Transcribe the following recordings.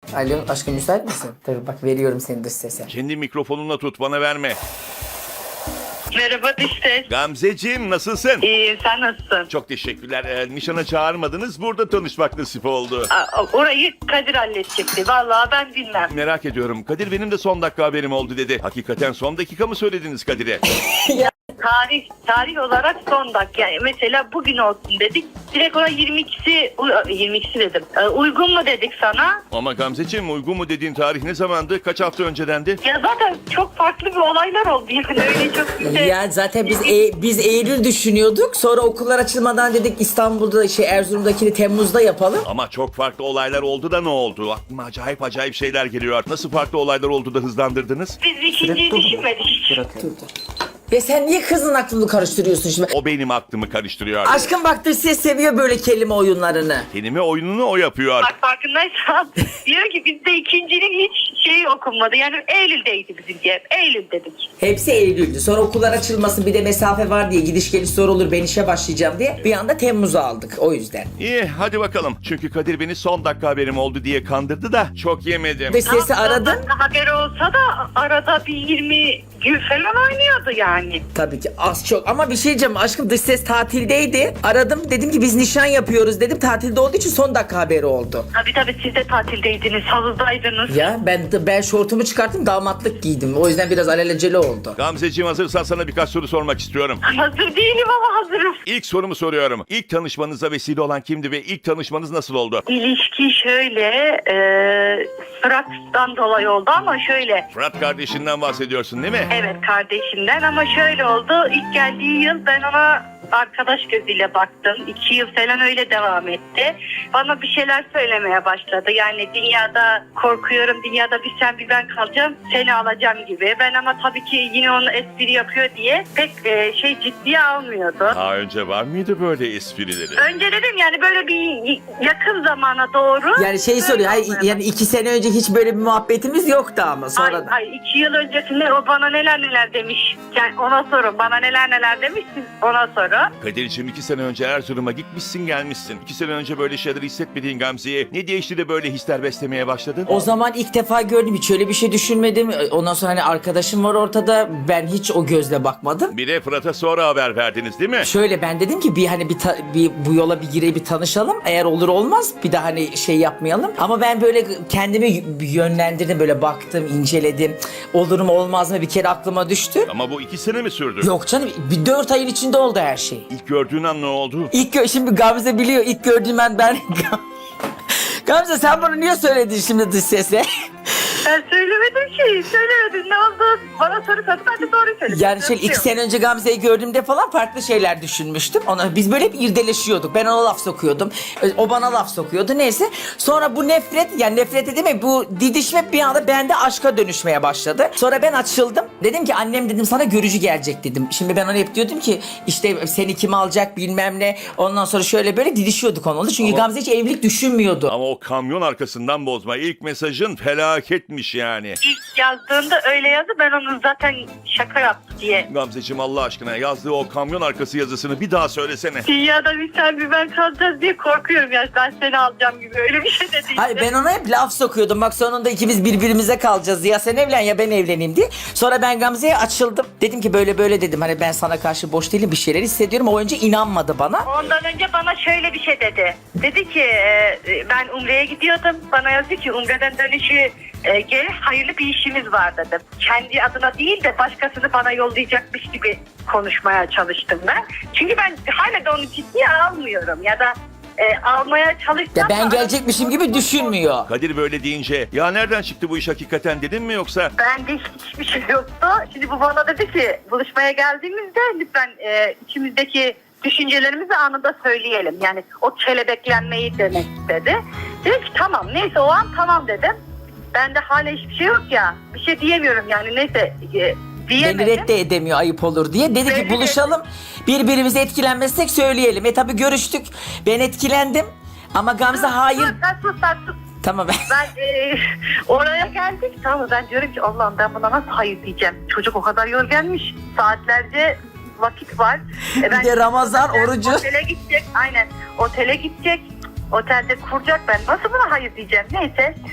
Alo aşkım müsait misin? Dur bak veriyorum seni dış sese. Kendi mikrofonunla tut, bana verme. Merhaba işte. Gamzeciğim, nasılsın? İyi, sen nasılsın? Çok teşekkürler. Nişana çağırmadınız. Burada tanışmak nasip oldu. Orayı Kadir halledecekti. Vallahi ben bilmem. Merak ediyorum. Kadir benim de son dakika haberim oldu dedi. Hakikaten son dakika mı söylediniz Kadir'e? Tarih olarak son dakika. Yani mesela bugün olsun dedik. Direkt ona 22'si dedim. Uygun mu dedik sana? Ama Gamzeciğim, uygun mu dediğin tarih ne zamandı? Kaç hafta öncedendi? Ya zaten çok farklı bir olaylar oldu. Yani öyle çok güzel. Ya zaten biz Eylül düşünüyorduk. Sonra okullar açılmadan dedik İstanbul'da Erzurum'dakini Temmuz'da yapalım. Ama çok farklı olaylar oldu da ne oldu? Aklıma acayip şeyler geliyor. Nasıl farklı olaylar oldu da hızlandırdınız? Biz ikinciyi düşünmedik. Dur. Ve sen niye kızın aklını karıştırıyorsun şimdi? O benim aklımı karıştırıyor. Aşkım bak dış ses seviyor böyle kelime oyunlarını. Kelime oyununu o yapıyor. Bak farkındaysan diyor ki bizde ikincinin hiç şeyi okunmadı. Yani Eylül'deydi bizimki hep. Eylül dedik. Hepsi Eylül'dü. Sonra okullar açılmasın bir de mesafe var diye gidiş geliş zor olur ben işe başlayacağım diye bir anda Temmuz'a aldık o yüzden. İyi, hadi bakalım. Çünkü Kadir beni son dakika haberim oldu diye kandırdı da çok yemedim. Dış sesi Ama aradın. haberi olsa da arada bir 20 gün falan oynuyordu yani. Tabii ki az çok ama bir şey diyeceğim aşkım dış ses tatildeydi. Aradım dedim ki biz nişan yapıyoruz dedim. Tatilde olduğu için son dakika haberi oldu. Tabii siz de tatildeydiniz, havuzdaydınız. Ya ben şortumu çıkarttım damatlık giydim. O yüzden biraz alelacele oldu. Gamzeciğim, hazırsan sana birkaç soru sormak istiyorum. Hazır değilim ama hazırım. İlk sorumu soruyorum. İlk tanışmanıza vesile olan kimdi ve ilk tanışmanız nasıl oldu? İlişki şöyle, Fırat'tan dolayı oldu ama şöyle. Fırat kardeşinden bahsediyorsun değil mi? Evet, kardeşimden ama şöyle oldu. İlk geldiği yıl ben ona arkadaş gözüyle baktım. 2 yıl falan öyle devam etti. Bana bir şeyler söylemeye başladı. Yani dünyada korkuyorum, dünyada bir sen bir ben kalacağım, seni alacağım gibi. Ben ama tabii ki yine onu espri yapıyor diye pek ciddiye almıyordu. Daha önce var mıydı böyle esprileri? Önce dedim yani böyle bir yakın zamana doğru. Yani şey soruyor yani 2 sene önce hiç böyle bir muhabbetimiz yoktu ama sonradan. Ay 2 yıl öncesinde o bana neler demiş. Yani ona sorun. Bana neler demiş, siz ona sorun. Kadir'ciğim, 2 sene önce Erzurum'a gitmişsin gelmişsin. 2 sene önce böyle şeyler hissetmediğin Gamze'ye ne değişti de böyle hisler beslemeye başladın? O zaman ilk defa gördüm hiç öyle bir şey düşünmedim. Ondan sonra hani arkadaşım var ortada ben hiç o gözle bakmadım. Bir de Fırat'a sonra haber verdiniz değil mi? Şöyle ben dedim ki bir bu yola bir gireyim bir tanışalım. Eğer olur olmaz bir daha hani şey yapmayalım. Ama ben böyle kendimi yönlendirdim böyle baktım inceledim. Olur mu olmaz mı bir kere aklıma düştü. Ama bu 2 sene mi sürdü? Yok canım bir 4 ayın içinde oldu her şey. İlk gördüğün an ne oldu? Şimdi Gamze biliyor ilk gördüğüm ben Gamze sen bunu niye söyledin şimdi dış sese? Ben söylemedim ki. Söylemedim. Ne oldu? Bana soru sordu. Ben de doğru söyledim. Yani şöyle 2 sene önce Gamze'yi gördüğümde falan farklı şeyler düşünmüştüm. Biz böyle hep irdeleşiyorduk. Ben ona laf sokuyordum. O bana laf sokuyordu. Neyse. Sonra bu nefret edeyim bu didişme bir anda bende aşka dönüşmeye başladı. Sonra ben açıldım. Dedim ki annem dedim sana görücü gelecek dedim. Şimdi ben ona hep diyordum ki işte seni kim alacak bilmem ne. Ondan sonra şöyle böyle didişiyorduk onunla. Çünkü Gamze hiç evlilik düşünmüyordu. Ama o kamyon arkasından bozma. İlk mesajın felaketmiş yani. İlk yazdığında öyle yazdı. Ben onu zaten şaka yaptı diye. Gamzeciğim, Allah aşkına yazdığı o kamyon arkası yazısını bir daha söylesene. Dünyada bir sen bir ben kalacağız diye korkuyorum ya. Ben seni alacağım gibi öyle bir şey de değil. Hayır ben ona hep laf sokuyordum. Bak sonunda ikimiz birbirimize kalacağız. Ya sen evlen ya ben evleneyim diye. Sonra ben Gamze'ye açıldım. Dedim ki böyle dedim. Hani ben sana karşı boş değilim bir şeyler hissediyorum. O önce inanmadı bana. Ondan önce bana şöyle bir şey dedi. Dedi ki ben Umre'ye gidiyordum. Bana yazdı ki Umre'den dönüşü gel hayırlı bir işimiz var dedim. Kendi adına değil de başkasını bana yollayacakmış gibi konuşmaya çalıştım ben. Çünkü ben hala da onu ciddiye almıyorum ya da almaya çalıştım. Ya ben gelecekmişim gibi düşünmüyor. Kadir böyle deyince ya nereden çıktı bu iş hakikaten dedin mi yoksa? Bende hiçbir şey yoktu. Şimdi bu bana dedi ki buluşmaya geldiğimizde lütfen içimizdeki düşüncelerimizi anında söyleyelim. Yani o kelebeklenmeyi demek istedi. Dedim ki tamam neyse o an tamam dedim. Bende hala hiçbir şey yok ya. Bir şey diyemiyorum yani neyse diyemedim. Beni redde edemiyor ayıp olur diye. Dedi ki buluşalım birbirimize etkilenmezsek söyleyelim. Tabii görüştük. Ben etkilendim. Ama Gamze hayır. Sus. Tamam Ben oraya geldik tamam ben diyorum ki Allah'ım ben buna nasıl hayır diyeceğim. Çocuk o kadar yorganmış. Saatlerce vakit var. Bir de Ramazan orucu. Otele gidecek aynen. Otele gidecek. Otelde kuracak ben. Nasıl buna hayır diyeceğim. Neyse.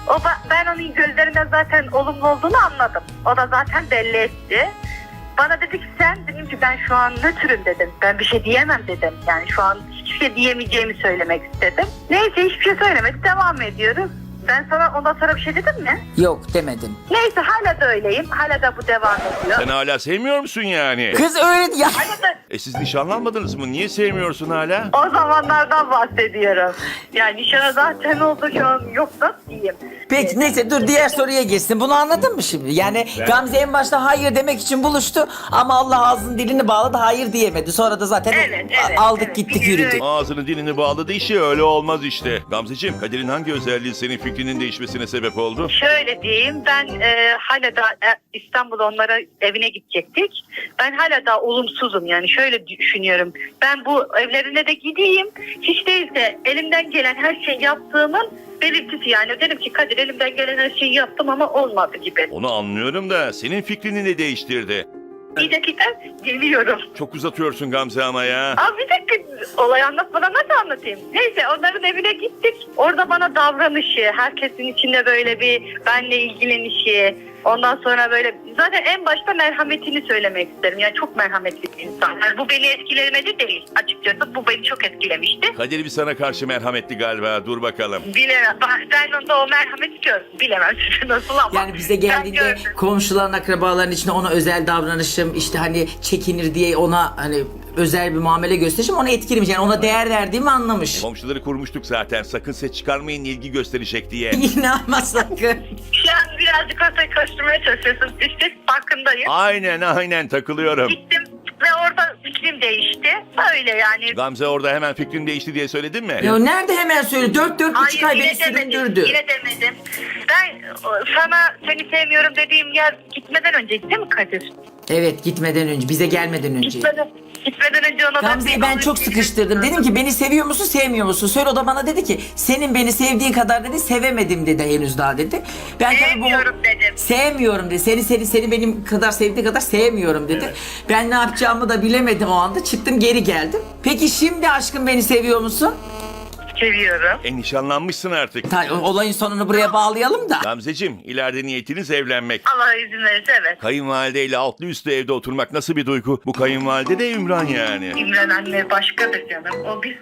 Ben onun gözlerinden zaten olumlu olduğunu anladım. O da zaten belli etti. Bana dedi ki sen, dedim ki ben şu an nötrüm dedim. Ben bir şey diyemem dedim. Yani şu an hiçbir şey diyemeyeceğimi söylemek istedim. Neyse hiçbir şey söylemedi. Devam ediyoruz. Ben sana ondan sonra bir şey dedim mi? Yok demedin. Neyse hala da öyleyim. Hala da bu devam ediyor. Sen hala sevmiyor musun yani? Kız öyle ya. Hala da Siz nişanlanmadınız mı? Niye sevmiyorsun hala? o zamanlardan bahsediyorum. Yani nişana zaten oldu, şu an yok da diyeyim. Peki neyse dur diğer soruya geçsin. Bunu anladın mı şimdi? Yani Gamze en başta hayır demek için buluştu ama Allah ağzının dilini bağladı, hayır diyemedi. Sonra da zaten aldık evet. gittik Bir yürüdük. Ağzını dilini bağladı, işi öyle olmaz işte. Gamzeciğim, Kadir'in hangi özelliği senin fikrinin değişmesine sebep oldu? Şöyle diyeyim, ben hala da İstanbul'a onlara evine gidecektik. Ben hala da olumsuzum, yani şöyle düşünüyorum. Ben bu evlerine de gideyim. Hiç değilse elimden gelen her şeyi yaptığımın belirtisi, yani dedim ki Kadir elimden gelen her şeyi yaptım ama olmadı gibi. Onu anlıyorum da senin fikrini ne değiştirdi? Bir dakika geliyorum. Çok uzatıyorsun Gamze ama ya. Abi bir dakika, olayı anlatmadan nasıl anlatayım? Neyse onların evine gittik. Orada bana davranışı, herkesin içinde böyle bir benle ilgilenişi, ondan sonra böyle zaten en başta merhametini söylemek isterim. Yani çok merhametli bir insan. Yani bu beni etkilemedi değil açıkçası. Bu beni çok etkilemişti. Kadir bir sana karşı merhametli galiba. Dur bakalım. Bilemem. Ben onda o merhameti gördüm. Bilemem size nasıl ama. Yani bize ben geldiğinde gördüm. komşuların, akrabaların içinde ona özel davranışım, işte hani çekinir diye ona hani özel bir muamele gösterişim onu etkilemiş. Yani ona değer verdiğimi anlamış. Komşuları kurmuştuk zaten. Sakın ses çıkarmayın, ilgi gösterecek diye. İnanma sakın. Şu an birazcık ortaya koşturmaya çalışıyorsun. İşte farkındayım. Aynen takılıyorum. Gittim ve orada fikrim değişti. Böyle yani. Gamze orada hemen fikrin değişti diye söyledin mi? Ya nerede hemen söyle, 4,5 ay beni yine demedim. süründürdü. Yine demedim. Ben sana seni sevmiyorum dediğim yer gitmeden önceydi değil mi Kadir? Evet, gitmeden önce, bize gelmeden önce. Gitmeden önce ona Gamze'yi ben çok sıkıştırdım. Dedim ki beni seviyor musun, sevmiyor musun? Söyle, o da bana dedi ki senin beni sevdiğin kadar dedi sevemedim dedi henüz daha dedi. Ben tabii Sevmiyorum dedim. Sevmiyorum dedi. Seni benim kadar sevdiği kadar sevmiyorum dedi. Ben ne yapacağımı da bilemedim o anda. Çıktım geri geldim. Peki şimdi aşkım beni seviyor musun? Seviyorum. Nişanlanmışsın artık. Olayın sonunu buraya bağlayalım da. Gamzeciğim, ileride niyetiniz evlenmek. Allah izin verirse evet. Kayınvalideyle altlı üstlü evde oturmak nasıl bir duygu? Bu kayınvalide de Ümran yani. İmran anne başkadır canım. O biz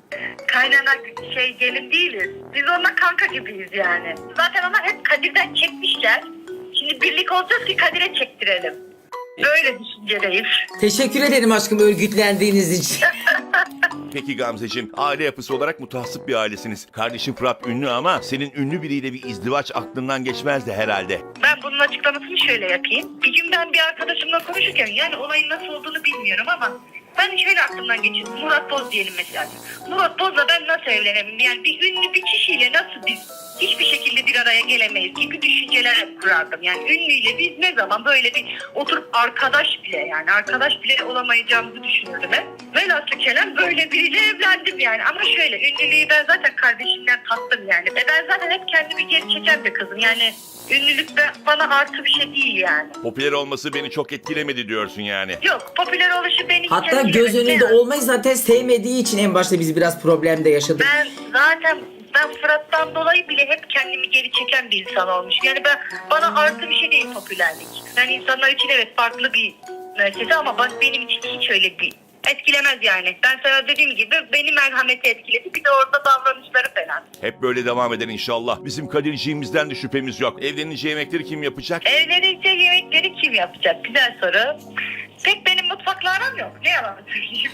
kaynana gelin değiliz. Biz onunla kanka gibiyiz yani. Zaten ona hep Kadir'den çekmişler. Şimdi birlik olacağız ki Kadir'e çektirelim. Böyle düşüncedeyiz. Teşekkür ederim aşkım örgütlendiğiniz için. Peki Gamzeciğim, aile yapısı olarak mutasip bir ailesiniz. Kardeşin Fırat ünlü ama senin ünlü biriyle bir izdivaç aklından geçmezdi herhalde. Ben bunun açıklamasını şöyle yapayım. Bir gün ben bir arkadaşımla konuşurken, yani olayın nasıl olduğunu bilmiyorum ama ben şöyle aklımdan geçirdim. Murat Boz diyelim mesela. Murat Boz'la ben nasıl evlenemem? Yani bir ünlü bir kişiyle nasıl biz hiçbir şekilde bir araya gelemeyiz gibi düşünceler kurardım. Yani ünlüyle biz ne zaman böyle bir oturup arkadaş bile olamayacağımızı düşünürdüm hep. Velhasıl kelam böyle biriyle evlendim yani. Ama şöyle, ünlülüğü ben zaten kardeşimden tattım yani. Ben zaten hep kendimi geri çeken bir kızım. Yani ünlülük de bana artı bir şey değil yani. Popüler olması beni çok etkilemedi diyorsun yani. Yok, popüler oluşu beni hiç Hatta göz etkilemedi. önünde olmayı zaten sevmediği için en başta biz biraz problemde yaşadık. Ben Fırat'tan dolayı bile hep kendimi geri çeken bir insan olmuş. Yani bana artı bir şey değil popülerlik. Yani insanlar için evet farklı bir müessese ama benim için hiç öyle bir etkilemez yani. Ben sana dediğim gibi beni merhameti etkiledi. Bir de orada davranışları falan. Hep böyle devam eder inşallah. Bizim Kadirciğimizden de şüphemiz yok. Evlenince yemekleri kim yapacak? Evlenince yemekleri kim yapacak? Güzel soru. Pek benim mutfakla aram yok. Ne yalan söyleyeyim.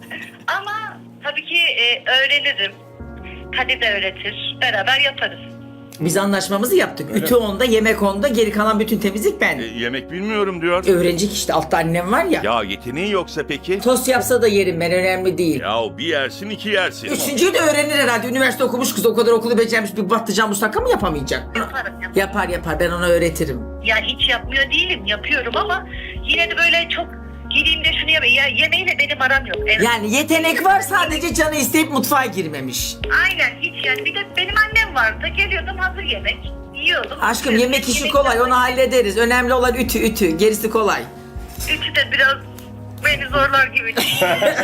Ama tabii ki öğrenirim. Kadir de öğretir. Beraber yaparız. Biz anlaşmamızı yaptık. Ütü onda, yemek onda, geri kalan bütün temizlik ben. Yemek bilmiyorum diyor. Öğrenecek işte, altta annem var ya. Ya yeteneği yoksa peki? Tost yapsa da yerim ben, önemli değil. Ya bir yersin iki yersin. Üçüncüyü de öğrenir herhalde. Üniversite okumuş kız, o kadar okulu becermiş, bir patlıcan musakka mı yapamayacak? Yaparım. Yapar, ben ona öğretirim. Ya hiç yapmıyor değilim. Yapıyorum ama yine de böyle çok gireyim de şunu yapayım. Ya yemeğiyle benim aram yok. Evet. Yani yetenek var, sadece canı isteyip mutfağa girmemiş. Aynen hiç yani. Bir de benim annem vardı. Geliyordum hazır yemek. Yiyordum. Aşkım yemek işi kolay, onu hallederiz. Önemli olan ütü, gerisi kolay. Üçü de biraz beni zorlar gibi.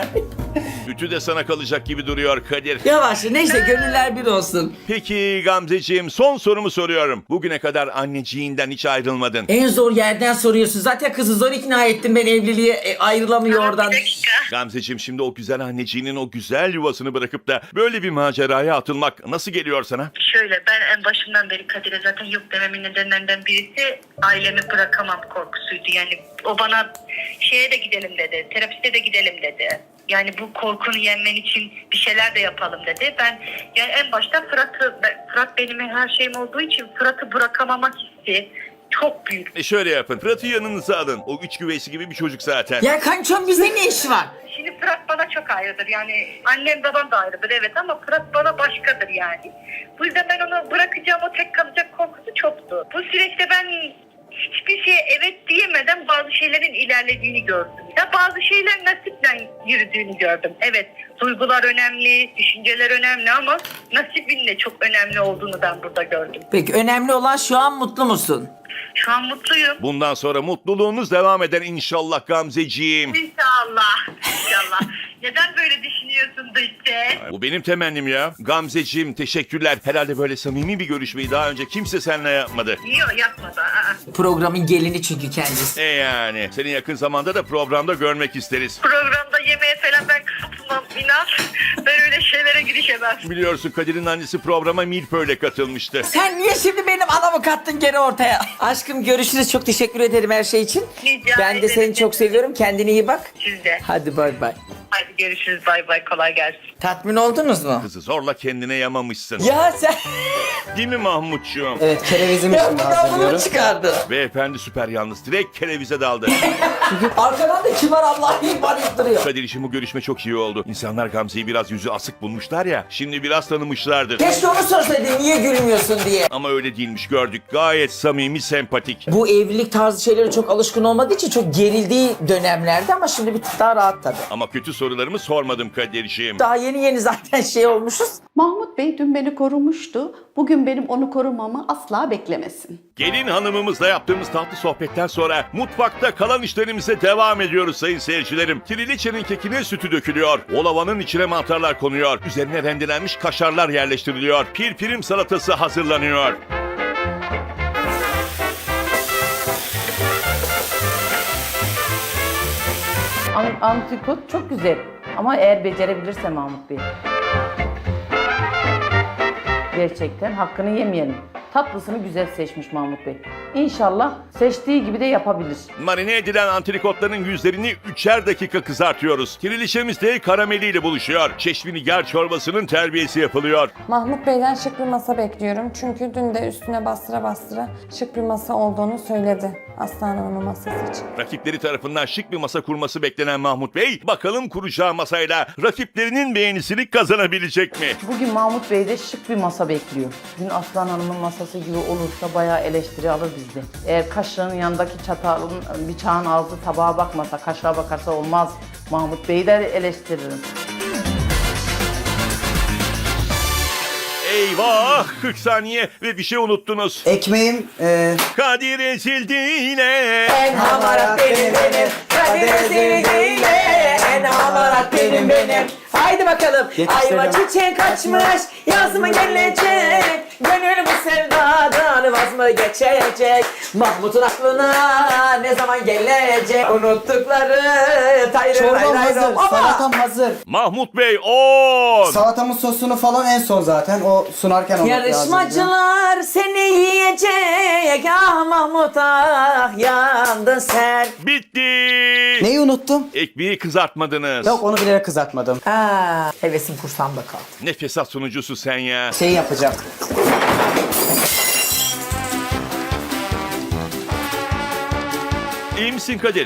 Ütü de sana kalacak gibi duruyor Kadir. Yavaş neyse gönüller bir olsun. Peki Gamzeciğim, son sorumu soruyorum. Bugüne kadar anneciğinden hiç ayrılmadın. En zor yerden soruyorsun. Zaten kızı zor ikna ettim ben evliliğe. Ayrılamıyor oradan. Bir dakika. Gamzeciğim, şimdi o güzel anneciğinin o güzel yuvasını bırakıp da böyle bir maceraya atılmak nasıl geliyor sana? Şöyle, ben en başından beri Kadir'e zaten yok dememin nedenlerinden birisi ailemi bırakamam korkusuydu. Yani o bana şeye de gidelim dedi, terapiste de gidelim dedi. Yani bu korkunu yenmen için bir şeyler de yapalım dedi. Ben yani en başta Fırat benim her şeyim olduğu için Fırat'ı bırakamamak hissi çok büyük. Şöyle yapın, Fırat'ı yanınıza alın. O üç güveysi gibi bir çocuk zaten. Ya kançom bizde ne işi var? Şimdi Fırat bana çok ayrıdır. Yani annem babam da ayrıdır evet ama Fırat bana başkadır yani. Bu yüzden ben onu bırakacağım, o tek kalacak korkusu çoktu. Bu süreçte ben hiçbir şeye evet diyemeden bazı şeylerin ilerlediğini gördüm. Ya bazı şeyler nasiple yürüdüğünü gördüm. Evet, duygular önemli, düşünceler önemli ama nasibin de çok önemli olduğunu ben burada gördüm. Peki önemli olan şu an mutlu musun? Şu an mutluyum. Bundan sonra mutluluğunuz devam eder inşallah Gamzeciğim. İnşallah. İnşallah. Neden böyle düşünüyorsun da işte? Bu benim temennim ya. Gamzeciğim, teşekkürler. Herhalde böyle samimi bir görüşmeyi daha önce kimse seninle yapmadı. Yok yapmadı. Programın gelini çünkü kendisi. Yani seni yakın zamanda da programda görmek isteriz. Programda yemeğe falan ben katılmam inan. Ben öyle şeylere girişemem. Biliyorsun Kadir'in annesi programa Milföy'le katılmıştı. Sen niye şimdi benim anamı kattın geri ortaya? Aşkım görüşürüz. Çok teşekkür ederim her şey için. Rica Ben de ederim. seni çok seviyorum. Kendine iyi bak. Siz de. Hadi bay bay. Hadi görüşürüz. Bay bay. Kolay gelsin. Tatmin oldunuz mu? Kızı zorla kendine yamamışsın. Ya sen... Değil mi Mahmutcuğum? Evet, kerevizimi Ya şimdi buradan bunu hazırlıyorum. çıkardın. Beyefendi süper yalnız. Direkt kerevize daldı. Arkadan da kibar Allah ihbar ettiriyor. Kadir, için bu görüşme çok iyi oldu. İnsanlar Gamze'yi biraz yüzü asık bulmuşlar ya. Şimdi biraz tanımışlardır. Keşke onu sorsaydın niye gülmüyorsun diye. Ama öyle değilmiş, gördük. Gayet samimi, sempatik. Bu evlilik tarzı şeylere çok alışkın olmadığı için çok gerildiği dönemlerde ama şimdi bir tık daha rahat tabii. Ama kötü sorularımı sormadım Kadir'ciğim. Daha yeni zaten şey olmuşuz. Mahmut Bey dün beni korumuştu. Bugün benim onu korumamı asla beklemesin. Gelin hanımımızla yaptığımız tatlı sohbetten sonra mutfakta kalan işlerimize devam ediyoruz sayın seyircilerim. Triliçenin kekine sütü dökülüyor. Olavanın içine mantarlar konuyor. Üzerine rendelenmiş kaşarlar yerleştiriliyor. Pirpirim salatası hazırlanıyor. Antrikot çok güzel ama eğer becerebilirse Mahmut Bey. Gerçekten hakkını yemeyelim. Tatlısını güzel seçmiş Mahmut Bey. İnşallah seçtiği gibi de yapabilir. Marine edilen antrikotların yüzlerini 3'er dakika kızartıyoruz. Triliçemiz de karameliyle buluşuyor. Çeşminigar çorbasının terbiyesi yapılıyor. Mahmut Bey'den şık bir masa bekliyorum. Çünkü dün de üstüne bastıra bastıra şık bir masa olduğunu söyledi Aslan Hanım'ın masası için. Rakipleri tarafından şık bir masa kurması beklenen Mahmut Bey, bakalım kuracağı masayla rakiplerinin beğenisini kazanabilecek mi? Bugün Mahmut Bey de şık bir masa bekliyor. Dün Aslan Hanım'ın masası gibi olursa bayağı eleştiri alır bizde. Eğer kaşığın yanındaki çatalın, bıçağın ağzı tabağa bakmasa, kaşığa bakarsa olmaz. Mahmut Bey'i de eleştiririm. Eyvah! 40 saniye ve bir şey unuttunuz. Ekmeğim Kadir ezildi yine. En hamarat benim. Kadir ezildiğiyle. En hamarat benim. Haydi bakalım. Yetiştirelim. Ayva çiçek açmış. Yaz mı gelecek? Gönül bu sevdadan vaz mı geçecek? Mahmut'un aklına ne zaman gelecek? Unuttukları tayrı çorbam hazır, ama... salatam hazır. Mahmut Bey 10. Salatamın sosunu falan en son zaten. O sunarken onu Yarışmacılar seni yiyecek. Ah Mahmut ah yandın sen. Bitti. Neyi unuttum? Ekmeği kızartmadınız. Yok, onu bilerek kızartmadım. Aa, hevesim kursağımda kaldı. Ne fesat sunucusu sen ya. Şey yapacağım. İyi misin Kadir?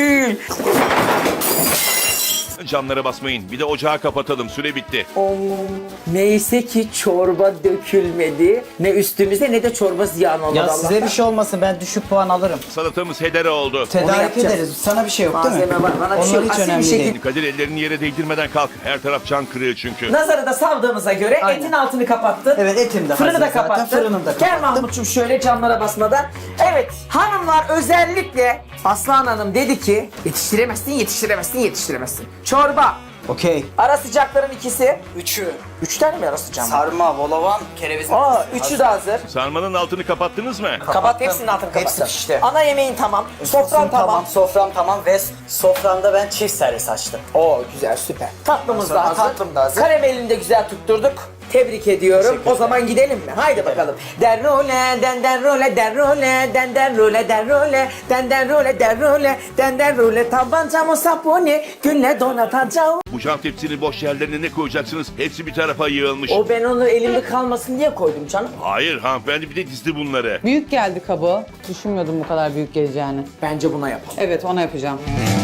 Camlara basmayın. Bir de ocağı kapatalım. Süre bitti. Neyse ki çorba dökülmedi. Ne üstümüze ne de çorba ziyan olmadı. Ya size bir şey olmasın, ben düşük puan alırım. Salatamız hedere oldu. Tedarik yapacağız. ederiz. Sana bir şey yok değil mi? Malzeme var, bana bir şey Onlar yok. hiç Asil bir önemli şekilde- değil. Kadir, ellerini yere değdirmeden kalk. Her taraf can kırığı çünkü. Nazarı da savdığımıza göre Aynen. etin altını kapattın. Evet, etim de Fırını hazır da zaten. kapattın. Fırını da Gel kapattım. Mahmut'cum şöyle camlara basmadan. Evet hanımlar özellikle Aslan Hanım dedi ki yetiştiremezsin. Çorba Okey. Ara sıcakların ikisi. 3'ü. 3 tane mi ara sıcağım? Sarma, volavan, kereviz. Üçü de hazır. Sarmanın altını kapattınız mı? Kapat, hepsinin altını kapat. Hepsi pişti. Ana yemeğin tamam. Sofran tamam. Sofram tamam ve soframda ben çift servis açtım. Oo güzel, süper. Tatlımız da Sonra hazır. tatlım da hazır. Karamelini de güzel tutturduk. Tebrik ediyorum. O zaman gidelim mi? Haydi bakalım. Den role, den role, den role, den role, den role, den role, den role, den role. Tabancamı saponi, gülle donatacağım. Bu cam tepsinin boş yerlerine ne koyacaksınız? Hepsi bir tarafa yığılmış. Ben onu elimde kalmasın diye koydum canım. Hayır hanımefendi bir de dizdi bunları. Büyük geldi kabı. Düşünmüyordum bu kadar büyük geleceğini. Bence buna yapalım. Evet, ona yapacağım.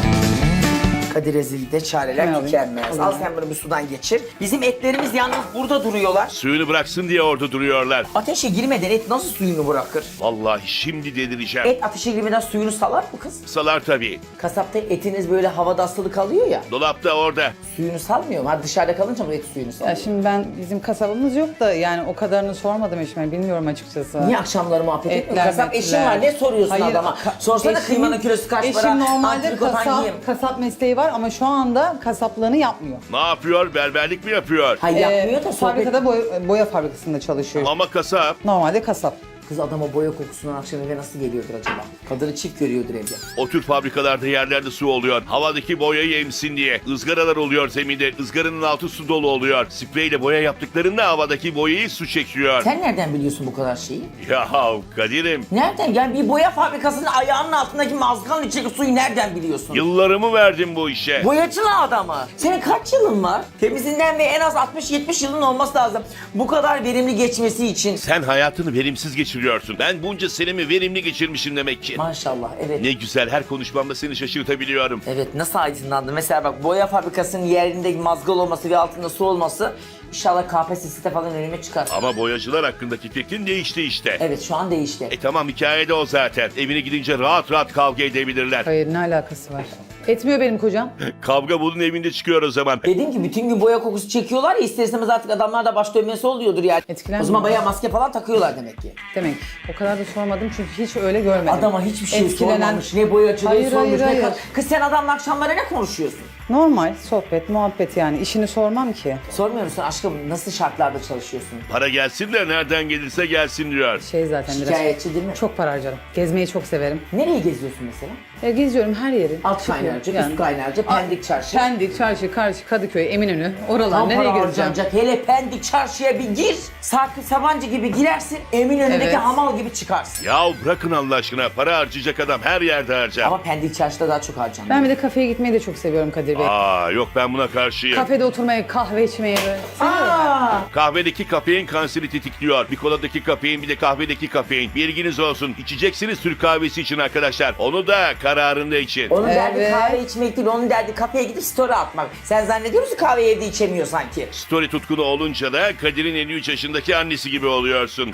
Kadir Ezil'de çareler Hemen tükenmez. alayım. Al sen bunu bir sudan geçir. Bizim etlerimiz yalnız burada duruyorlar. Suyunu bıraksın diye orada duruyorlar. Ateşe girmeden et nasıl suyunu bırakır? Vallahi şimdi delireceğim. Et ateşe girmeden suyunu salar mı kız? Salar tabii. Kasapta etiniz böyle havada asılı kalıyor ya. Dolapta orada. Suyunu salmıyor mu? Hadi dışarıda kalınca mı et suyunu Ya salıyor? şimdi bizim kasabımız yok da yani o kadarını sormadım eşime. Bilmiyorum açıkçası. Niye akşamları muhabbet etmiyor? Etler, Kasap metler. eşin var, ne soruyorsun Hayır, adama? Sorsana eşim- kıymanın kilosu kaç para? Eşim normalde Antrikotan yiyeyim. kasap mesleği var ama şu anda kasaplığını yapmıyor. Ne yapıyor? Berberlik mi yapıyor? Hayır yapmıyor da sohbet... Fabrikada boya fabrikasında çalışıyor. Ama kasap. Normalde kasap. Kız adama boya kokusundan akşam eve nasıl geliyordur acaba? Kadını çift görüyordur evde. O tür fabrikalarda yerlerde su oluyor. Havadaki boyayı emsin diye. Izgaralar oluyor zeminde. Izgaranın altı su dolu oluyor. Spreyle boya yaptıklarında havadaki boyayı su çekiyor. Sen nereden biliyorsun bu kadar şeyi? Ya Kadir'im. Nereden? Yani bir boya fabrikasının ayağının altındaki mazganın içindeki suyu nereden biliyorsun? Yıllarımı verdim bu işe. Boyacılı adamı. Senin kaç yılın var? Temizinden ve en az 60-70 yılın olması lazım. Bu kadar verimli geçmesi için. Sen hayatını verimsiz geçiriyorsun. Ben bunca senemi verimli geçirmişim demek ki. Maşallah, evet. Ne güzel her konuşmamda seni şaşırtabiliyorum. Evet, nasıl aydınlandı? Mesela bak, boya fabrikasının yerinde mazgal olması ve altında su olması inşallah KPSS'de falan önüme çıkar. Ama boyacılar hakkındaki fikrin değişti işte. Evet, şu an değişti. Tamam hikayede o zaten. Evine gidince rahat rahat kavga edebilirler. Hayır, ne alakası var? Etmiyor benim kocam. Kavga bunun evinde çıkıyor o zaman. Dediğim ki bütün gün boya kokusu çekiyorlar ya, ister istemez artık adamlar da baş dönmesi oluyordur yani. Etkilenmiyor. O zaman bayağı maske falan takıyorlar demek ki. Demek. O kadar da sormadım çünkü hiç öyle görmedim. Adama hiçbir şey Etkilenen- sormamış, ne boyacılığı Hayır, sormuş, hayır, ne hayır. Kız sen adamla akşamları ne konuşuyorsun? Normal sohbet, muhabbet yani. İşini sormam ki. Sormuyor musun aşkım, nasıl şartlarda çalışıyorsun? Para gelsin de nereden gelirse gelsin diyor. Şey zaten biraz. Şikayetçi değil mi? Çok para harcarım. Gezmeyi çok severim. Nereye geziyorsun mesela? Geziyorum her yeri. Alt Çıkıyorum kaynarca, yani. üst kaynarca, Pendik Çarşı. Pendik, Çarşı, Karşı, Kadıköy, Eminönü. Oralar Tam nereye para gezeceğim? harcanacak. Hele Pendik Çarşı'ya bir gir. Sarkı Sabancı gibi girersin. Eminönü'ndeki Evet. hamal gibi çıkarsın. Yahu bırakın Allah aşkına. Para harcayacak adam her yerde harcar. Ama Pendik Çarşı'da daha çok harcanıyor. Ben bir de kafeye gitmeyi de çok seviyorum Kadir Bey. Yok ben buna karşıyım. Kafede oturmayı, kahve içmeyi böyle. Aa, Kahvedeki kafein kanseri tetikliyor. Bir koladaki kafein bir de kahvedeki kafein. Bilginiz olsun. İçeceksiniz Türk kahvesi için arkadaşlar. Onu da kararında için. onun derdi Evet. kahve içmek değil, onun derdi kafeye gidip story atmak. Sen zannediyor musun kahveyi evde içemiyor sanki? Story tutkunu olunca da Kadir'in 53 yaşındaki annesi gibi oluyorsun.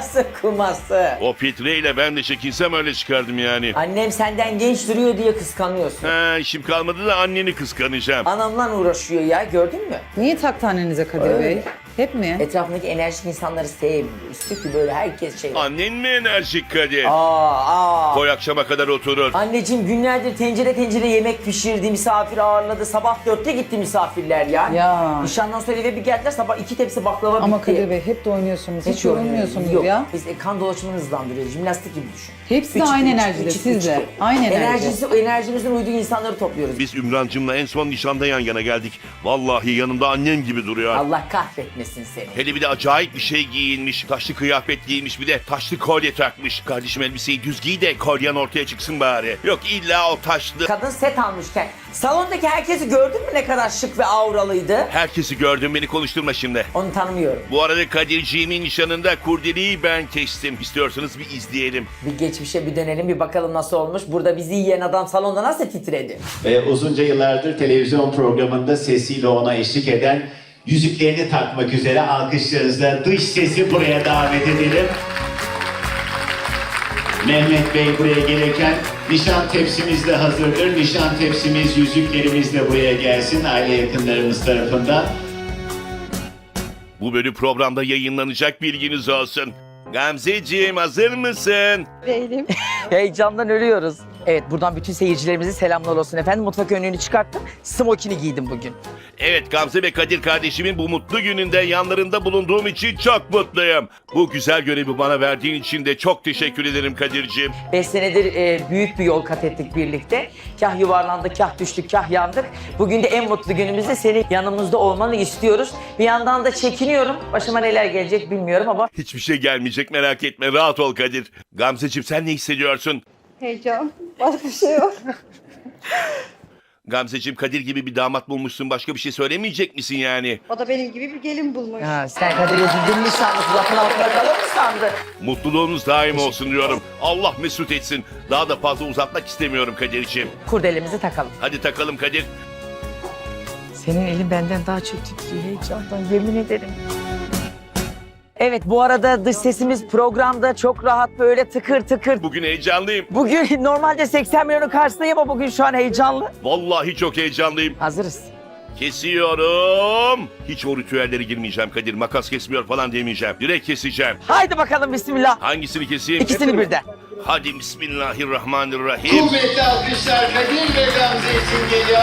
Kuması. O filtreyle ben de çekinsem öyle çıkardım yani. Annem senden genç duruyor diye kıskanıyorsun. İşim kalmadı da anneni kıskanacağım. Anamla uğraşıyor ya, gördün mü? Niye taktı annenize Kadir Öyle. Bey? Hep mi? Etrafındaki enerjik insanları sevmiyor. İstiyor ki böyle herkes şey. Annen mi enerjik Kadir? Aa. Koy akşama kadar oturur. Anneciğim günlerdir tencere yemek pişirdi, misafir ağırladı. Sabah 4'te gitti misafirler ya. Ya. Nişandan sonra eve bir geldiler, sabah 2 tepsi baklava Ama bitti. Kadir Bey hep de oynuyorsunuz. Hiç oynuyoruz. yorulmuyorsunuz Yok, ya. biz kan dolaşımını hızlandırıyoruz. Jimnastik gibi düşün. Hepsi de aynı enerjide, siz de. Aynı enerji. Enerjimizin uyduğu insanları topluyoruz. Biz Ümrancığımla en son nişanda yan yana geldik. Vallahi yanımda annem gibi duruyor. Allah kahretmesin seni. Hele bir de acayip bir şey giyinmiş. Taşlı kıyafet giyinmiş bir de taşlı kolye takmış. Kardeşim elbiseyi düz giy de kolyen ortaya çıksın bari. Yok illa o taşlı. Kadın set almışken. Salondaki herkesi gördün mü ne kadar şık ve auralıydı? Herkesi gördüm beni konuşturma şimdi. Onu tanımıyorum. Bu arada Kadirciğimin nişanında kurdeleyi ben kestim. İstiyorsanız bir izleyelim. Bir geçmişe bir dönelim, bir bakalım nasıl olmuş. Burada bizi yiyen adam salonda nasıl titredi? Ve uzunca yıllardır televizyon programında sesiyle ona eşlik eden, yüzüklerini takmak üzere alkışlarınızla dış sesi buraya davet edelim. Mehmet Bey buraya gelirken nişan tepsimiz de hazırdır. Nişan tepsimiz, yüzüklerimiz de buraya gelsin aile yakınlarımız tarafından. Bu bölüm programda yayınlanacak, bilginiz olsun. Gamzeciğim hazır mısın? Heyecandan ölüyoruz. Evet, buradan bütün seyircilerimize selamlar olsun efendim. Mutfak önlüğünü çıkarttım. Smokini giydim bugün. Evet, Gamze ve Kadir kardeşimin bu mutlu gününde yanlarında bulunduğum için çok mutluyum. Bu güzel görevi bana verdiğin için de çok teşekkür ederim Kadir'ciğim. 5 senedir büyük bir yol kat ettik birlikte. Kah yuvarlandık, kah düştük, kah yandık. Bugün de en mutlu günümüzde senin yanımızda olmanı istiyoruz. Bir yandan da çekiniyorum. Başıma neler gelecek bilmiyorum ama Hiçbir şey gelmeyecek, merak etme, rahat ol Kadir. Gamzeciğim, sen ne hissediyorsun? Heyecan. Başka bir şey yok. Gamzeciğim, Kadir gibi bir damat bulmuşsun, başka bir şey söylemeyecek misin yani? O da benim gibi bir gelin bulmuş. ha, sen Kadir Özüldün mü sandın? Lafın altında kalır mı sandın? Mutluluğunuz daim olsun diyorum. Allah mesut etsin. Daha da fazla uzatmak istemiyorum Kadir'ciğim. Kurdelemizi takalım. Hadi takalım Kadir. Senin elin benden daha çok titriyor heyecandan, yemin ederim. Evet, bu arada dış sesimiz programda çok rahat böyle tıkır tıkır. Bugün heyecanlıyım. Bugün normalde 80 milyonun karşısındayım ama bugün şu an heyecanlı. Vallahi çok heyecanlıyım. Hazırız. Kesiyorum. Hiç o ritüellere girmeyeceğim Kadir. Makas kesmiyor falan demeyeceğim. Direkt keseceğim. Haydi bakalım bismillah. Hangisini keseyim? İkisini birden. Hadi bismillahirrahmanirrahim. Kuvvetli alkışlar Kadir ve Gamze için geliyor.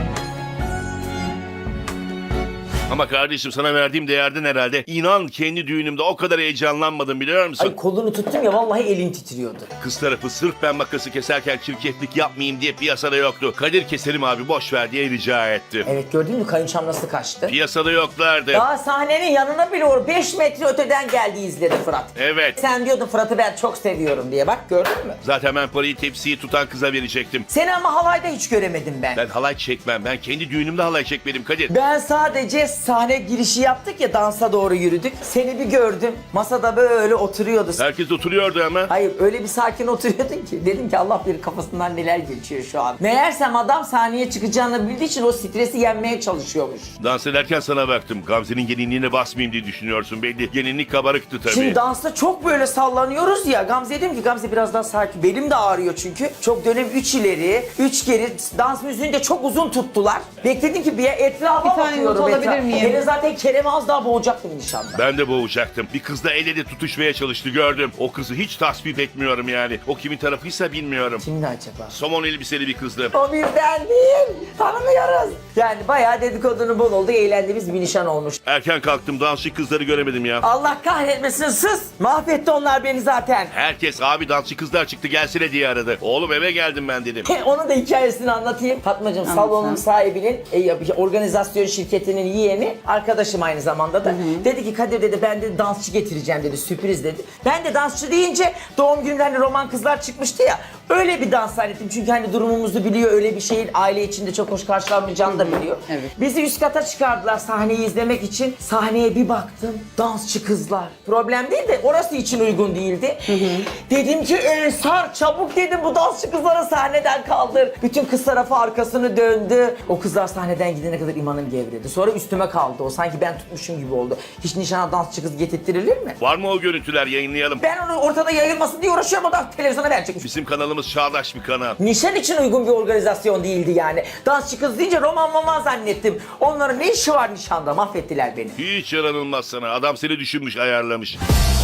Ama kardeşim, sana verdiğim değerden herhalde. İnan kendi düğünümde o kadar heyecanlanmadım, biliyor musun? Ay kolunu tuttum ya vallahi elin titriyordu. Kız tarafı sırf ben makası keserken çirkeflik yapmayayım diye piyasada yoktu. Kadir, keselim abi boş ver diye rica etti. Evet, gördün mü kayınçam nasıl kaçtı? Piyasada yoklardı. Daha sahnenin yanına bile 5 metre öteden geldi izledi Fırat. Evet. Sen diyordun Fırat'ı ben çok seviyorum diye, bak gördün mü? Zaten ben parayı tepsiyi tutan kıza verecektim. Seni ama halayda hiç göremedim ben. Ben halay çekmem. Ben kendi düğünümde halay çekmedim Kadir. Ben sadece sahne girişi yaptık ya, dansa doğru yürüdük. Seni bir gördüm. Masada böyle oturuyordu. Herkes oturuyordu ama. Hayır, öyle bir sakin oturuyordun ki. Dedim ki Allah bilir kafasından neler geçiyor şu an. Meğersem adam sahneye çıkacağını bildiği için o stresi yenmeye çalışıyormuş. Dans ederken sana baktım. Gamze'nin gelinliğine basmayayım diye düşünüyorsun belli. Gelinlik kabarıktı tabii. Şimdi dansta çok böyle sallanıyoruz ya. Gamze dedim ki Gamze biraz daha sakin. Belim de ağrıyor çünkü. Çok dönem 3 ileri, 3 geri. Dans müziğini de çok uzun tuttular. Bekledim ki bir etrafa Bir tane bakıyorum. not alabilir miyim? Beni zaten Kerem'i az daha boğacaktım nişanda. Ben de boğacaktım. Bir kızla el ele tutuşmaya çalıştı, gördüm. O kızı hiç tasvip etmiyorum yani. O kimin tarafıysa bilmiyorum. Kimdi acaba? Somon elbiseli bir kızdı. O bizden değil. Tanımıyoruz. Yani bayağı dedikodunun bol oldu. Eğlendiğimiz bir nişan olmuş. Erken kalktım, dansçı kızları göremedim ya. Allah kahretmesin, sus. Mahvetti onlar beni zaten. Herkes abi dansçı kızlar çıktı gelsene diye aradı. Oğlum eve geldim ben dedim. Onun da hikayesini anlatayım. Fatmacığım, salonun sahibinin organizasyon şirketinin yeğeni, arkadaşım aynı zamanda da. Dedi ki Kadir dedi, ben de dansçı getireceğim dedi, sürpriz dedi. Ben de dansçı deyince doğum gününde hani roman kızlar çıkmıştı ya, öyle bir dans zannettim. Çünkü hani durumumuzu biliyor, öyle bir şeyin aile içinde çok hoş karşılanmayacağını da biliyor. Evet. Bizi üst kata çıkardılar sahneyi izlemek için. Sahneye bir baktım, dansçı kızlar. Problem değil de orası için uygun değildi. Dedim ki Ensar çabuk dedim, bu dansçı kızları sahneden kaldır. Bütün kız tarafı arkasını döndü. O kızlar sahneden gidene kadar imanım gevredi. Sonra üstüme kaldı o, sanki ben tutmuşum gibi oldu. Hiç nişana dansçı kız getirtilir mi? Var mı o görüntüler, yayınlayalım. Ben onu ortada yayılmasın diye uğraşıyorum, o da televizyona verecekmiş. Bizim kanalımız çağdaş bir kanal. Nişan için uygun bir organizasyon değildi yani. Dansçı kız deyince roman zannettim. Onların ne işi var nişanda? Mahvettiler beni. Hiç yaranılmaz sana. Adam seni düşünmüş, ayarlamış.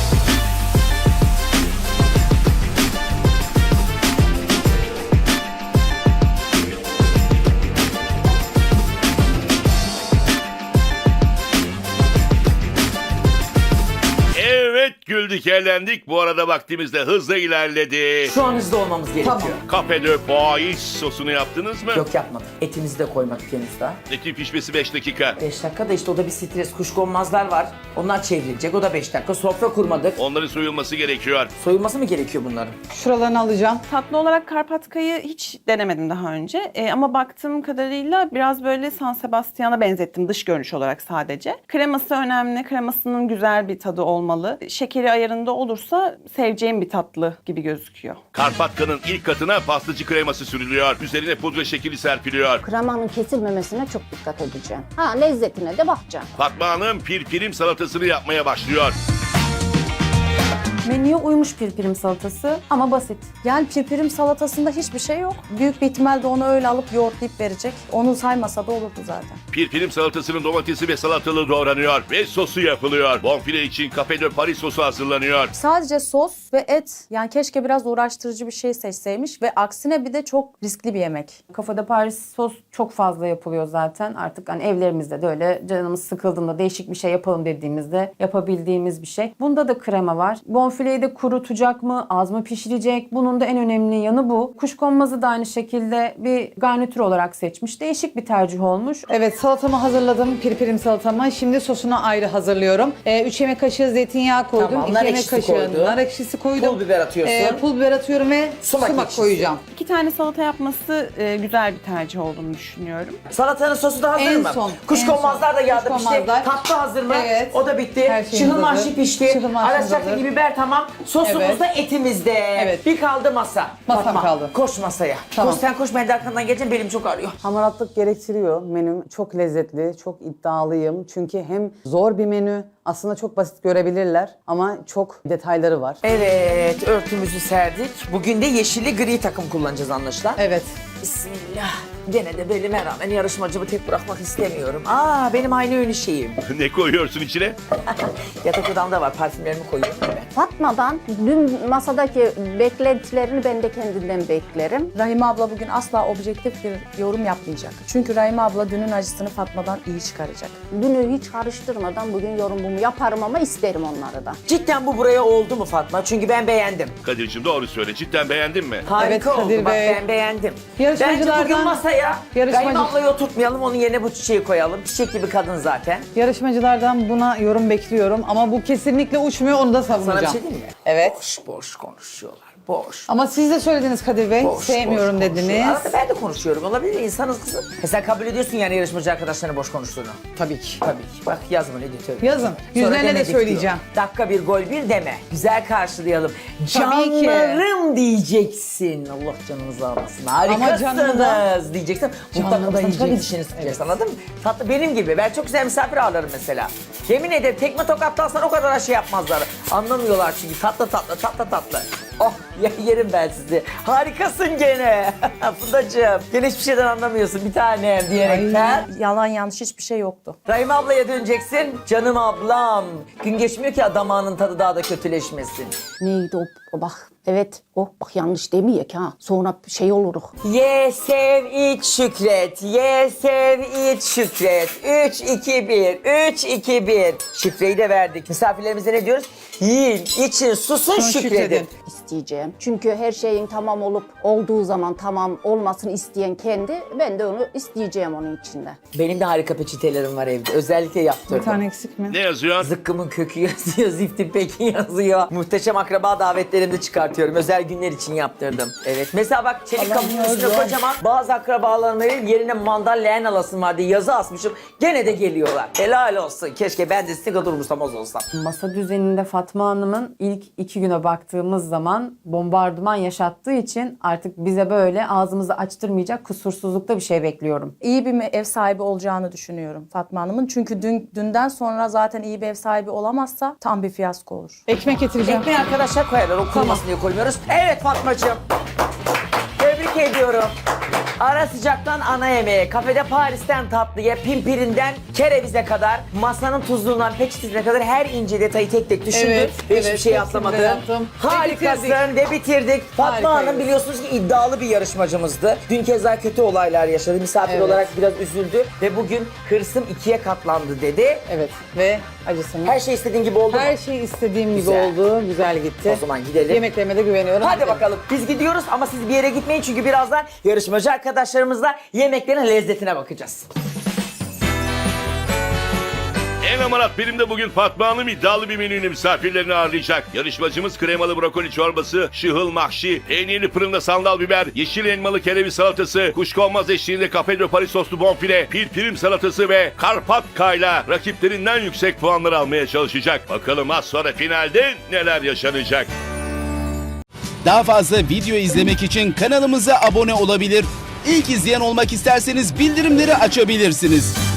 Evet, güldük eğlendik. Bu arada vaktimiz de hızla ilerledi. Şu an hızlı olmamız gerekiyor. Cafe de Bois sosunu yaptınız mı? Yok, yapmadık. Etimizi de koymadık henüz daha. Etin pişmesi 5 dakika. 5 dakika da işte o da bir stres. Kuşkonmazlar var. Onlar çevrilecek. O da 5 dakika. Sofra kurmadık. Onların soyulması gerekiyor. Soyulması mı gerekiyor bunların? Şuralarını alacağım. Tatlı olarak Karpatka'yı hiç denemedim daha önce. Ama baktığım kadarıyla biraz böyle San Sebastian'a benzettim dış görünüş olarak sadece. Kreması önemli. Kremasının güzel bir tadı olmalı. Şekeri ayarında olursa seveceğim bir tatlı gibi gözüküyor. Karpatka'nın ilk katına pastacı kreması sürülüyor. Üzerine pudra şekeri serpiliyor. Kremanın kesilmemesine çok dikkat edeceğim. Ha, lezzetine de bakacağım. Fatma Hanım pirpirim salatasını yapmaya başlıyor. Menüye uymuş pirpirim salatası ama basit. Yani pirpirim salatasında hiçbir şey yok. Büyük bir ihtimalle onu öyle alıp yoğurtlayıp verecek. Onu saymasa da olurdu zaten. Pirpirim salatasının domatesi ve salatalığı doğranıyor ve sosu yapılıyor. Bonfile için Cafe de Paris sosu hazırlanıyor. Sadece sos ve et. Yani keşke biraz uğraştırıcı bir şey seçseymiş ve aksine bir de çok riskli bir yemek. Kafada Paris sos çok fazla yapılıyor zaten. Artık hani evlerimizde de öyle canımız sıkıldığında değişik bir şey yapalım dediğimizde yapabildiğimiz bir şey. Bunda da krema var. Bonfileyi de kurutacak mı? Az mı pişirecek? Bunun da en önemli yanı bu. Kuşkonmazı da aynı şekilde bir garnitür olarak seçmiş. Değişik bir tercih olmuş. Evet, salatamı hazırladım. Pirpirim salatamı. Şimdi sosunu ayrı hazırlıyorum. 3 yemek kaşığı zeytinyağı koydum. Tamam, 2 nar yemek ekşisi kaşığı koydun. nar ekşisi koydum. Pul biber atıyorsun. Pul biber atıyorum ve Sumak sumak ekşisi. koyacağım. 2 tane salata yapması güzel bir tercih olduğunu düşünüyorum. Salatanın sosu da hazır En mı? son, Kuşkonmazlar da yağda pişti. Kuşkonmazlar. Tatlı hazır mı? Evet. O da bitti. Her şeyimiz Şıhıl hazır. mahşi pişti. Şıhıl mahşimiz Arasacaklı hazır. biber tamam. Sosumuz Evet. da etimizde. Evet. Bir kaldı masa. Masam Fatma, kaldı. koş masaya. Tamam. Koş sen koş, ben de arkandan geleceğim, belim çok ağrıyor. Hamaratlık gerektiriyor menüm. Çok lezzetli, çok iddialıyım. Çünkü hem zor bir menü, aslında çok basit görebilirler ama çok detayları var. Evet, örtümüzü serdik. Bugün de yeşilli gri takım kullanacağız anlaşılan. Evet. Bismillah. Gene de belime rağmen yarışmacımı tek bırakmak istemiyorum. Benim aynı ünlü şeyim. Ne koyuyorsun içine? Yatak odamda var, parfümlerimi koyuyorum ben. Fatma'dan dün masadaki beklentilerini ben de kendinden beklerim. Rahime abla bugün asla objektif bir yorum yapmayacak. Çünkü Rahime abla dünün acısını Fatma'dan iyi çıkaracak. Dünü hiç karıştırmadan bugün yorumumu yaparım ama isterim onları da. Cidden bu buraya oldu mu Fatma? Çünkü ben beğendim. Kadir'cim doğru söyle. Cidden beğendin mi? Harika Evet, oldu. Kadir Bak Bey. ben beğendim. Bence Yarışmacılardan- bugün masaya Yarışmacı- Rahime ablayı oturtmayalım. Onun yerine bu çiçeği koyalım. Çiçek gibi kadın zaten. Yarışmacılardan buna yorum bekliyorum ama bu kesinlikle uçmuyor, onu da savunacağım. Sana bir şey diyeyim mi? Evet. Boş konuşuyorlar. Boş. Ama siz de söylediniz Kadir Bey, sevmiyorum boş dediniz. konuşuyorlar. Arada ben de konuşuyorum. Olabilir, insanız kızım. Sen kabul ediyorsun yani yarışmacı arkadaşlarına boş konuştuğunu. Tabii ki. Tabii ki. Bak yazın editörü. Yazın. Yüzlerine de söyleyeceğim. Dakika bir gol bir deme. Güzel karşılayalım. Tabii ki. Canlarım diyeceksin. Allah canınızı almasın. Harikasınız diyeceksin. Canını da Mutlaka yiyeceksin. dişini sıkacaksın, anladın mı? Tatlı benim gibi. Ben çok güzel misafir ağırlarım mesela. Yemin ederim tekme tokatlarsan o kadar şey yapmazlar. Anlamıyorlar çünkü tatlı. Oh yerim ben sizi. Harikasın gene. Fundacığım. Gene hiçbir şeyden anlamıyorsun bir tanem diyerekten. Yalan yanlış hiçbir şey yoktu. Rahime ablaya döneceksin. Canım ablam. Gün geçmiyor ki damağının tadı daha da kötüleşmesin. Neydi o bak. Evet o bak yanlış demeyek ha. Sonra şey oluruk. Ye, sev, iç, şükret. Ye, sev, iç, şükret. 3, 2, 1. 3, 2, 1. Şifreyi de verdik. Misafirlerimize ne diyoruz? Yiyin, için, susun, şükredin. İsteyeceğim. Çünkü her şeyin tamam olup olduğu zaman tamam olmasını isteyen kendi. Ben de onu isteyeceğim onun içinde. Benim de harika peçetelerim var evde. Özellikle yaptırdım. Bir tane eksik mi? Ne yazıyor? Zıkkımın kökü yazıyor, ziftin pekin yazıyor. Muhteşem akraba davetlerimde çıkartıyorum. Özel günler için yaptırdım. Evet. Mesela bak çelik kapının üstüne kocaman bazı akrabalarımın yerine mandal leğen alasım var diye yazı asmışım. Gene de geliyorlar. Helal olsun. Keşke ben de sizin kadar umursamaz olsam. Masa düzeninde Fatma Hanım'ın ilk 2 güne baktığımız zaman bombardıman yaşattığı için artık bize böyle ağzımızı açtırmayacak kusursuzlukta bir şey bekliyorum. İyi bir ev sahibi olacağını düşünüyorum Fatma Hanım'ın. Çünkü dünden sonra zaten iyi bir ev sahibi olamazsa tam bir fiyasko olur. Ekmek getireceğim. Ekmeği arkadaşlar koyarlar. O kurumasın diye koymuyoruz. Evet Fatmacığım. Tebrik ediyorum. Ara sıcaktan ana yemeğe, kafede Paris'ten tatlıya, pimpirinden kerevize kadar, masanın tuzluğundan peçetesine kadar her ince detayı tek tek düşündün. Evet, Hiçbir evet, şey hepsini de atlamadın. yaptım. Harikasın ve bitirdik. Fatma Harikayız. Hanım biliyorsunuz ki iddialı bir yarışmacımızdı. Dün keza kötü olaylar yaşadı. Misafir Evet. olarak biraz üzüldü ve bugün hırsım 2'ye katlandı dedi. Evet ve acısını. Her şey istediğin gibi oldu mu? Her şey istediğim Güzel. gibi oldu. Güzel gitti. O zaman gidelim. Yemeklerime de güveniyorum. Hadi Gidelim. bakalım. Biz gidiyoruz ama siz bir yere gitmeyin çünkü birazdan yarışmacı arkadaşlarımızla yemeklerin lezzetine bakacağız. En amarat benim de bugün Fatma Hanım iddialı bir menüyle misafirlerini ağırlayacak. Yarışmacımız kremalı brokoli çorbası, şıhıl mahşi, peynirli fırında sandal biber, yeşil elmalı kereviz salatası, kuşkonmaz eşliğinde Cafe de Paris soslu bonfile, pirpirim salatası ve karpatkayla rakiplerinden yüksek puanlar almaya çalışacak. Bakalım az sonra finalde neler yaşanacak. Daha fazla video izlemek için kanalımıza abone olabilir. İlk izleyen olmak isterseniz bildirimleri açabilirsiniz.